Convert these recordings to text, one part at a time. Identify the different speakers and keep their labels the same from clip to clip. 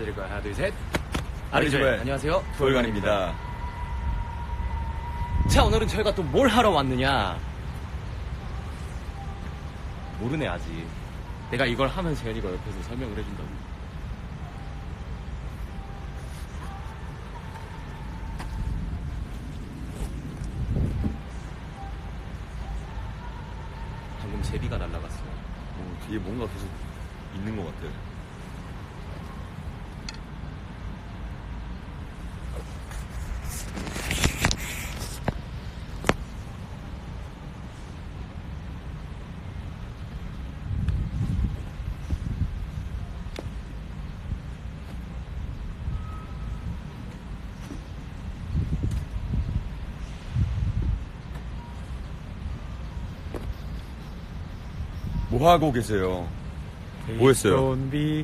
Speaker 1: 인사드릴 거예요. 하나, 둘, 셋.
Speaker 2: 아리조엘.
Speaker 1: 안녕하세요.
Speaker 2: 돌간입니다.
Speaker 1: 자, 오늘은 저희가 또 뭘 하러 왔느냐. 모르네, 아직. 내가 이걸 하면 재현이가 옆에서 설명을 해준다고. 방금 제비가 날아갔어요.
Speaker 2: 뒤에 뭔가 계속 있는 것 같아요. 뭐 하고 계세요? 뭐 했어요?
Speaker 1: 돈비.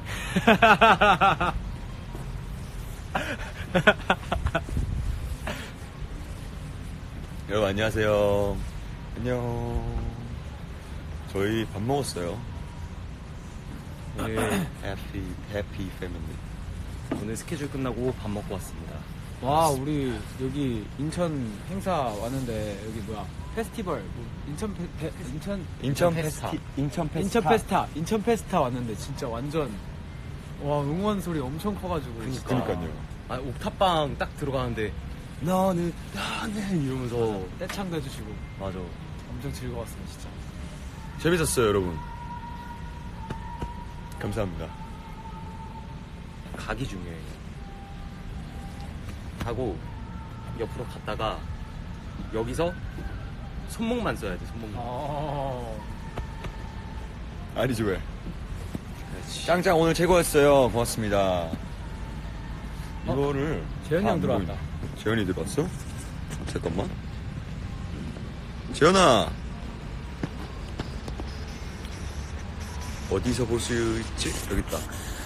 Speaker 2: 여러분 안녕하세요. 안녕. 저희 밥 먹었어요.
Speaker 1: 오늘,
Speaker 2: 해피 패밀리.
Speaker 1: 오늘 스케줄 끝나고 밥 먹고 왔습니다.
Speaker 3: 와, 우리 여기 인천 행사 왔는데 여기 뭐야 페스티벌 뭐 인천
Speaker 1: 페스타.
Speaker 3: 인천 페스타 왔는데 진짜 완전 와 응원 소리 엄청 커가지고 진짜.
Speaker 2: 그니까요.
Speaker 1: 아, 옥탑방 딱 들어가는데, 나는 이러면서.
Speaker 3: 떼창도 해주시고
Speaker 1: 맞아.
Speaker 3: 엄청 즐거웠어요 진짜.
Speaker 2: 재밌었어요, 여러분. 감사합니다.
Speaker 1: 각이 중요해. 하고 옆으로 갔다가 여기서 손목만 써야 돼. 손목만.
Speaker 2: 아리조엘. 짱짱 오늘 최고였어요. 고맙습니다. 이거를
Speaker 3: 재현이 형
Speaker 2: 안
Speaker 3: 들어왔다.
Speaker 2: 보이네. 재현이 들어왔어? 잠깐만. 재현아. 어디서 볼 수 있지? 여기 있다.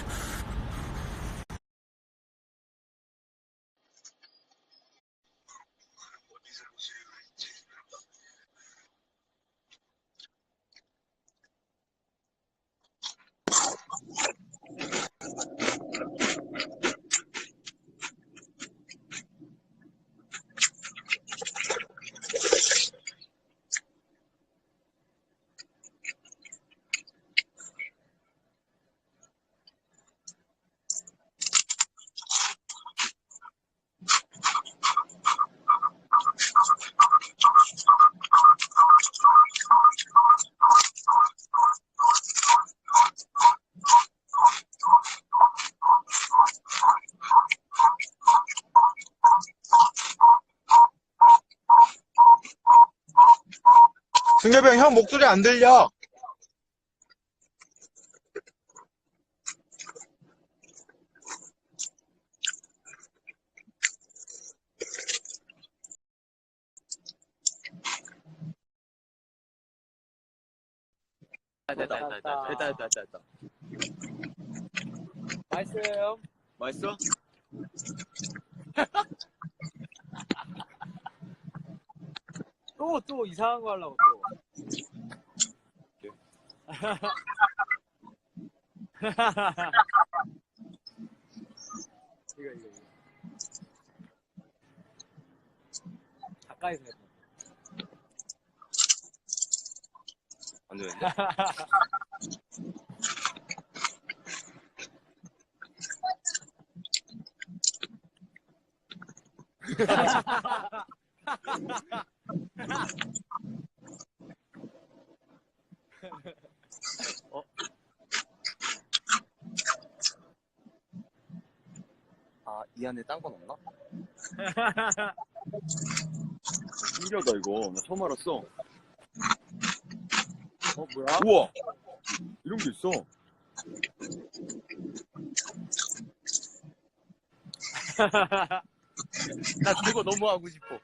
Speaker 4: 승엽이 형 목소리 안 들려.
Speaker 1: 됐다.
Speaker 3: 맛있어요.
Speaker 1: 맛있어?
Speaker 3: 또 이상한 거 하려고 또. 이거. 가까이서 해.
Speaker 1: 안 되는데? 아, 이 안에 딴 건 없나?
Speaker 2: 신기하다, 이거. 나 처음 알았어.
Speaker 3: 뭐야?
Speaker 2: 우와! 이런 게 있어.
Speaker 1: 나 그거 너무 하고 싶어.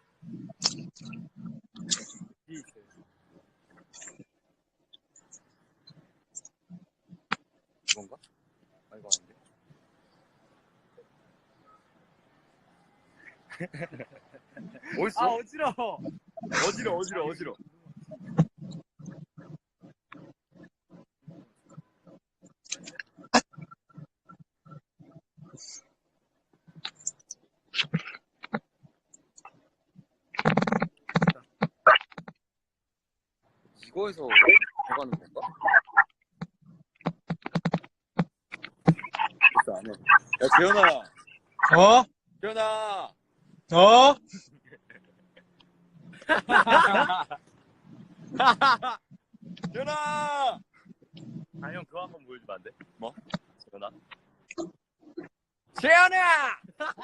Speaker 1: 이건가? 아, 이거 아닌데? 어딨어?
Speaker 3: 아 어지러워.
Speaker 1: 어지러.
Speaker 2: 이거에서 들어가는 건가? 진짜 안 해. 야, 재현아.
Speaker 4: 어?
Speaker 2: 재현아.
Speaker 4: 어?
Speaker 2: 재현아.
Speaker 1: 아, 형, 그거 한번 보여주면 안 돼?
Speaker 2: 뭐?
Speaker 1: 재현아?
Speaker 2: 재현아.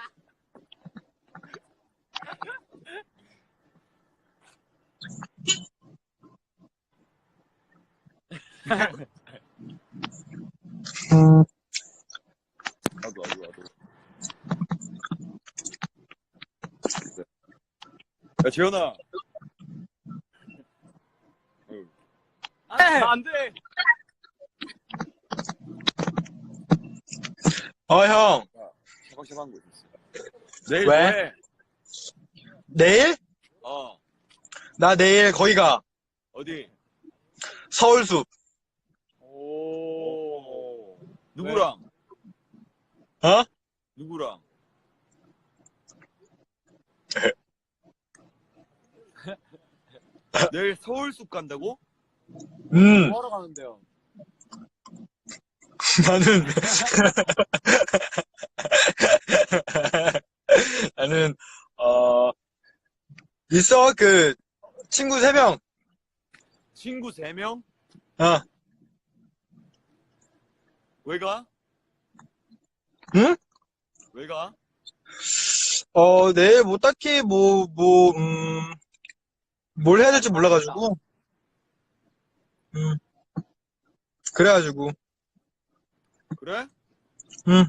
Speaker 2: 나도. 야, 재현아.
Speaker 1: 안 돼!
Speaker 4: 형.
Speaker 2: 샤방샤방한 거 있었어. 내일
Speaker 4: 왜?
Speaker 2: 뭐해?
Speaker 4: 내일?
Speaker 2: 어.
Speaker 4: 나 내일 거기 가.
Speaker 2: 어디?
Speaker 4: 서울숲.
Speaker 1: 오.
Speaker 2: 누구랑?
Speaker 4: 어?
Speaker 2: 누구랑? 내일 서울숲 간다고?
Speaker 3: 뭐하러 가는데요?
Speaker 4: 나는, 나는, 있어, 친구 3명.
Speaker 2: 친구 3명?
Speaker 4: 어.
Speaker 2: 왜 가?
Speaker 4: 응?
Speaker 2: 왜 가?
Speaker 4: 내일 뭐 딱히 뭘 해야 될지 몰라가지고. 그래가지고.
Speaker 2: 그래?
Speaker 4: 응.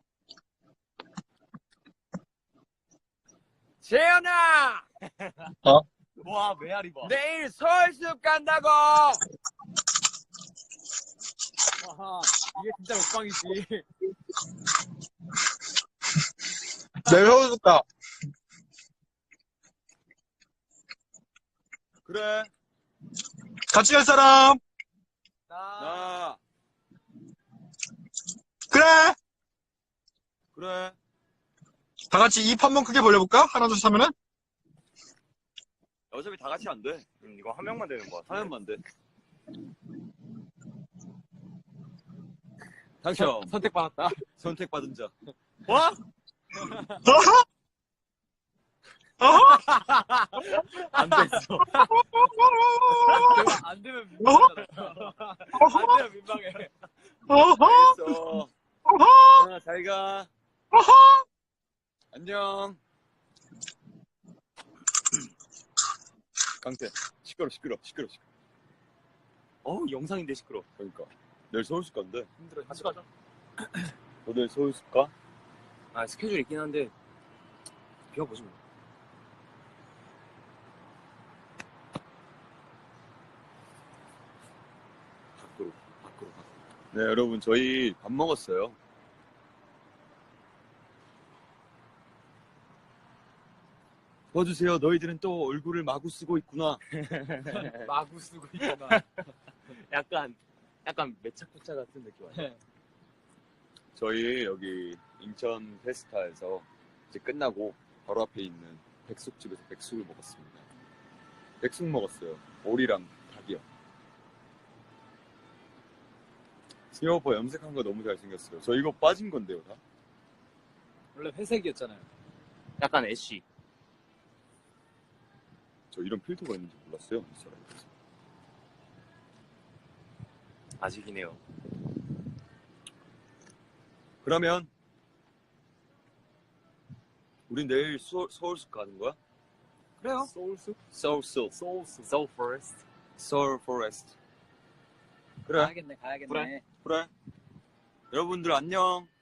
Speaker 2: 재현아!
Speaker 4: 어?
Speaker 1: 와, 메아리 봐.
Speaker 2: 내일 서울숲 간다고!
Speaker 3: 아하, 이게 진짜 먹방이지.
Speaker 4: 내일 서울숲 가.
Speaker 2: 그래.
Speaker 4: 같이 갈 사람?
Speaker 2: 나.
Speaker 4: 그래!
Speaker 2: 그래.
Speaker 4: 다 같이 입 한 번 크게 벌려볼까? 하나, 둘, 셋 하면은?
Speaker 2: 어차피 다 같이 안 돼.
Speaker 1: 이거 한 명만 되는 거 같아.
Speaker 2: 하면만 돼. 당첨.
Speaker 3: 선택받았다.
Speaker 2: 선택받은 자.
Speaker 1: 와? 안 됐어.
Speaker 3: 안 되면 민망하잖아. 안 되면 민망해.
Speaker 2: 알겠어. 재현아, 잘 가. 안녕. 강태. 시끄러.
Speaker 1: 어우, 영상인데 시끄러.
Speaker 2: 그러니까. 내일 서울숲 간대.
Speaker 3: 힘들어.
Speaker 1: 같이 가자.
Speaker 2: 너 내일 서울숲 가?
Speaker 1: 아, 스케줄 있긴 한데, 비워보지 뭐.
Speaker 2: 밖으로. 네, 여러분, 저희 밥 먹었어요. 봐주세요. 너희들은 또 얼굴을 마구 쓰고 있구나.
Speaker 3: 마구 쓰고 있구나.
Speaker 1: 약간 매차쿠차 같은 느낌 아니야?
Speaker 2: 저희 여기 인천 페스타에서 이제 끝나고 바로 앞에 있는 백숙집에서 백숙을 먹었습니다. 백숙 먹었어요. 오리랑 닭이요. 승엽 오빠 염색한 거 너무 잘생겼어요. 저 이거 빠진 건데요, 다?
Speaker 3: 원래 회색이었잖아요.
Speaker 1: 약간 애쉬.
Speaker 2: 저 이런 필터가 있는지 몰랐어요. 인스타그램에서.
Speaker 1: 아직이네요.
Speaker 2: 그러면 우린 내일 서울숲 가는 거야?
Speaker 3: 그래요.
Speaker 1: 소울숲?
Speaker 2: 서울숲.
Speaker 1: 소울 포레스트.
Speaker 2: 서울 포레스트. 그래.
Speaker 3: 가야겠네.
Speaker 2: 그래. 여러분들 안녕.